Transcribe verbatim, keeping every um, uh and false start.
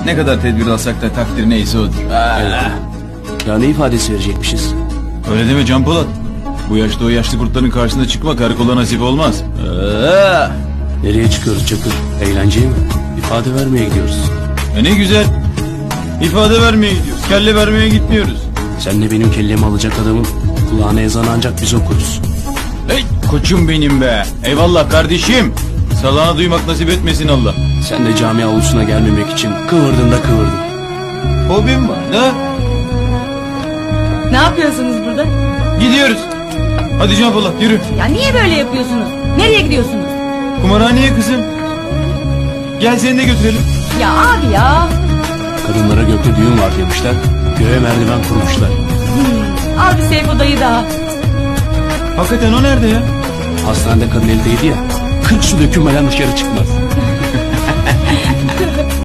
Ne kadar tedbir alsak da takdir neyse odur. Ya ne ifadesi verecekmişiz? Öyle deme Can Polat. Bu yaşta o yaşlı kurtların karşısına çıkmak karakola nasip olmaz. Aa! Nereye çıkıyoruz Çakır? Eğlenceye mi? İfade vermeye gidiyoruz. E ne güzel. İfade vermeye gidiyoruz. Kelle vermeye gitmiyoruz. Sen de benim kellemi alacak adamın kulağına ezan ancak biz okuruz. Hey koçum benim be. Eyvallah kardeşim. Salağına duymak nasip etmesin Allah. Sen de cami avlusuna gelmemek için kıvırdın da kıvırdın. Hobim var ne? Ne yapıyorsunuz burada? Gidiyoruz. Hadi Can Polat yürü. Ya niye böyle yapıyorsunuz? Nereye gidiyorsunuz? Kumarhaneye kızım. Gel seni de götürelim. Ya abi ya. Kadınlara gökte düğün var demişler. Göğe merdiven kurmuşlar. Hmm, al bir Seyfo dayı daha. Hakikaten o nerede ya? Hastanede kadın eldeydi ya. Kırk su dökülmeden dışarı çıkmaz.